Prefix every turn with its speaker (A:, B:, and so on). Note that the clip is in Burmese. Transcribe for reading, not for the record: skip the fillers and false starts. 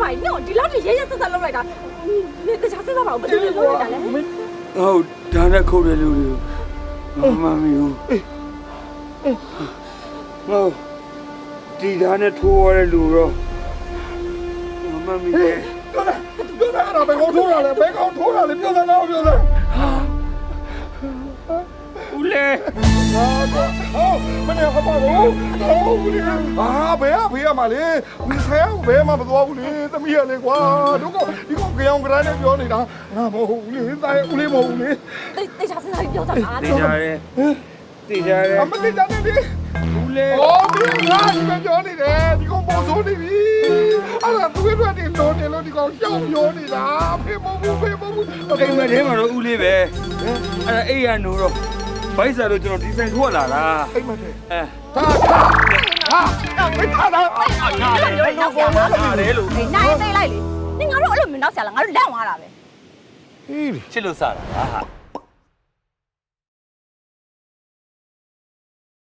A: ပါညို့ဒီလောက်ထိရဲရဲဆက်ဆက်လုပ်လိုက်တာနေတခြားဆက်ဆက်ပါဦးဘယ်လိုလုပ်လိုက်တာလဲ
B: ဟုတ်ဒါနဲ့ခုတ်တယ်လူတွေမမီဘူးဟုတ်ဒီဒါနဲ့ထိုးရတဲ့လူတော့မမီပဲ
C: ပြောတယ်အဲ့ဒါဘယ်ကောင်ထိုးတာလဲဘယ်ကောင်ထိုးတာလဲပြောတယ်တော့ပြောတယ်
B: ဦးလေ
C: မနေ့ကပါတော့ဦးလေးဘယ်ဖေးရမှာလဲဦးဆဲဘယ်မှမသွားဘူးလေသမီးရလေကွာတို့ကဒီကောင်ကြောင်ကြမ်းနဲ့ပြောနေတာငါမဟုတ်ဘူးလေတိုင်းဦးလေးမဟုတ်ဘူးလေ
A: တခြားဆက်ဆက်ပြောတာလား
B: တေးကြတယ်
C: အမတေးကြတယ်လေ
B: ဦးလေ
C: ဒီငါဒီမပြောနေတယ်ဒီကောင်ပေါ်ဆိုးနေပြီအဲ့ဒါသူ့အတွက်ဒီလုံးနေလို့ဒီကောင်ရှောက်ပြောနေတာဖေးမဟုတ်ဘူး
B: အိမ်မထဲမှာတော့ဦးလေးပဲအဲ့ဒါအိမ်ရနိုးတော့ဘိုက်စားလို့ကျွန်တော်ဒီဆိုင်ထွက်လာတာ
C: အိမ်မထဲ
B: ဟာ
C: မထားတာ
B: တယ်လို့
A: နိုင်သိလိုက်လေနင်ငါတို့အဲ့လိုမင်းတော့ဆရာလားငါတို့လန့်သွားတာပဲ
B: ချစ်လို့စားတာဟာ